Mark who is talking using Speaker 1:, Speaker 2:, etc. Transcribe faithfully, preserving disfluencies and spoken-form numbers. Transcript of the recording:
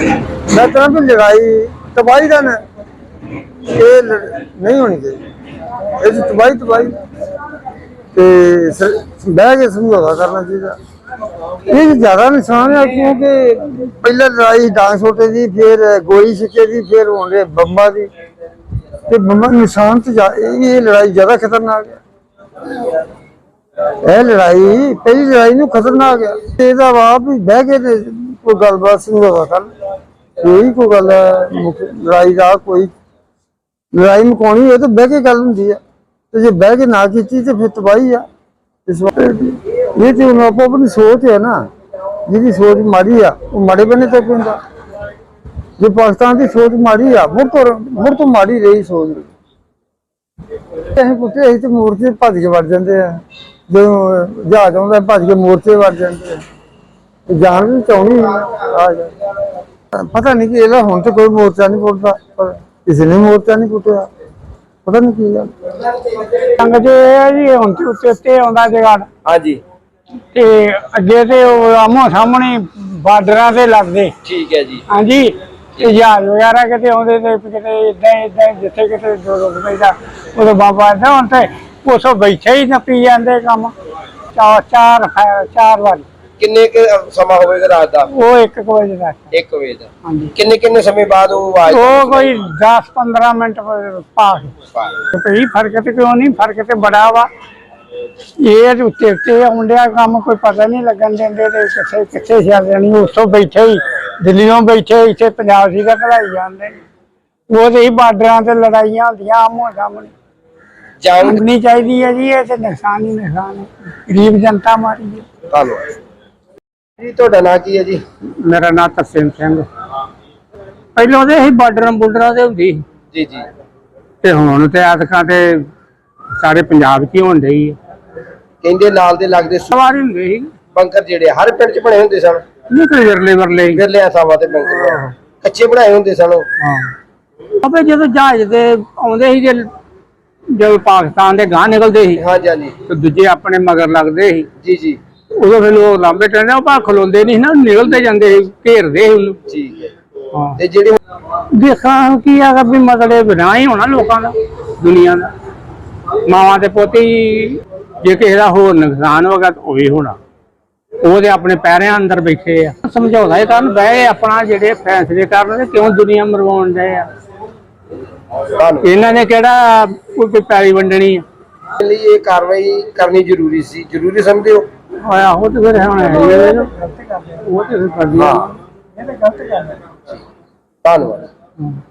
Speaker 1: मैं कहना भी लड़ाई तबाही का ना ये नहीं होनी चाहिए। ये तबाही तबाही बह के समझौता करना चाहिए। ये ज्यादा नुकसान है क्योंकि पहले लड़ाई डांग छोटे की, फिर गोली छिके की, फिर होने बम्बा की। बम्बा नुकसान तो ये लड़ाई ज्यादा खतरनाक है। यह लड़ाई पहली लड़ाई नूं खतरनाक है। ਇਹਦਾ ਵਾ ਵੀ ਬਹਿ ਕੇ ਕੋਈ ਗੱਲਬਾਤ ਸਮਝਾਵਾ ਕਰ, ਕੋਈ ਕੋਈ ਗੱਲ ਲੜਾਈ ਦਾ ਕੋਈ ਲੜਾਈ ਮੁਕਾਉਣੀ ਹੋਏ ਤਾਂ ਬਹਿ ਕੇ ਗੱਲ ਹੁੰਦੀ ਆ, ਤੇ ਜੇ ਬਹਿ ਕੇ ਨਾ ਕੀਤੀ ਤੇ ਫਿਰ ਤਬਾਹੀ ਆ। ਇਸ ਵਾਰ ਇਹ ਤੇ ਹੁਣ ਆਪੋ ਆਪਣੀ ਸੋਚ ਹੈ ਨਾ, ਜਿਹਦੀ ਸੋਚ ਮਾੜੀ ਆ ਉਹ ਮਾੜੇ ਬੰਨੇ ਤੇ ਪੈਂਦਾ। ਜੇ ਪਾਕਿਸਤਾਨ ਦੀ ਸੋਚ ਮਾੜੀ ਆ, ਮੁੜ ਤੋਂ ਮੁੜ ਤੋਂ ਮਾੜੀ ਰਹੀ ਸੋਚ। ਅਸੀਂ ਪੁੱਛੇ ਅਸੀਂ ਤੇ ਮੋਰਚੇ ਭੱਜ ਕੇ ਵੜ ਜਾਂਦੇ ਆ, जो जहाज आता भज के मोर्चे वड़ जाते जान भी चाहनी आ पता नहीं कि हूं तो कोई मोर्चा नहीं पुटता, किसी ने मोर्चा नहीं पुटिया, पता नहीं की गल जो जी हूं तो उत्ते आंदा जगाड़। हाँ जी ते अगे ते आमो सामने बार्डर से लगते। ठीक है जी। हाँ जी जहाज वगैरह कितने आते कितने इदा इदा जिथे कितने रुक पैदा उदो बाबा इदा हूं तो उस बैठे ही नपी जाते काम चार चार चार बार। किन्ने के समा होवेगा रात दा? वो एक बजे दा। एक बजे दा। हां जी। किन्ने किन्ने समय बाद वो आवाज? वो कोई दस पंद्रह मिनट पास कोई फर्क ते क्यों नहीं, फर्क ते बड़ा वा। ये उत्ते उत्ते आउंडिया काम कोई पता नहीं लगन देंदे ते किथे किथे चल जानी। उसों बैठे ही दिल्लीों बैठे इत्थे पंजाब सी दा कढ़ाई जांदे। वो ते बार्डरां ते लड़ाइयां होंदियां आमो सामने। जाननी चाहिए है जी, ये नुकसान ही नुकसान है, गरीब जनता मारी है। धन्यवाद जी। ਤੁਹਾਡਾ ਨਾਂ ਕੀ ਹੈ ਜੀ? ਮੇਰਾ ਨਾਂ ਤਰਸੇਮ ਸਿੰਘ। ਪਹਿਲਾਂ ਦੇ ਹੀ ਬਾਰਡਰਾਂ ਬੁਲਡਰਾਂ ਦੇ ਹੁੰਦੀ ਜੀ ਜੀ, ਤੇ ਹੁਣ ਤੇ ਆਦਕਾਂ ਤੇ ਸਾਰੇ ਪੰਜਾਬ 'ਚ ਹੀ ਹੋਣ ਡਈ ਹੈ। ਕਹਿੰਦੇ ਨਾਲ ਦੇ ਲੱਗਦੇ ਸਵਾਰੀ ਹੁੰਦੇ ਸੀ ਬੰਕਰ, ਜਿਹੜੇ ਹਰ ਪਿੰਡ 'ਚ ਬਣੇ ਹੁੰਦੇ ਸਨ। ਨਹੀਂ ਕੋਈ ਵਿਰਲੇ ਵਰਲੇ ਵਿਰਲੇ ਥਾਵਾਂ ਤੇ ਬੰਕਰ ਕੱਚੇ ਬਣਾਏ ਹੁੰਦੇ ਸਨ। ਹਾਂ ਆਪੇ ਜਦੋਂ ਜਹਾਜ਼ ਤੇ ਆਉਂਦੇ ਸੀ ਜੇ जब पाकिस्तान के गांह निकलते ही। हाँ जी तो दूजे अपने मगर लगते ही। जी जी उदो फिर लोग लांबे टहने खलोंदे नहीं ना, निकलते जाते घेरते ठीक है। हाँ ते जेडे देखा की है भी मतलब ना ही होना लोगों का दुनिया का मावां ते पोते जे किसी का होर नुकसान होगा तो वही होना। वो ते अपने पैरों अंदर बैठे आ समझौता करन बह अपना जेडे फैसले करन क्यों दुनिया मरवाउण दे आ। इन्होंने केड़ा कोई पैली वंडनी है ये कार्रवाई करनी जरूरी सी, जरूरी समझते हो? हाँ वो तो फिर वो तो फिर कर दिया। धन्यवाद।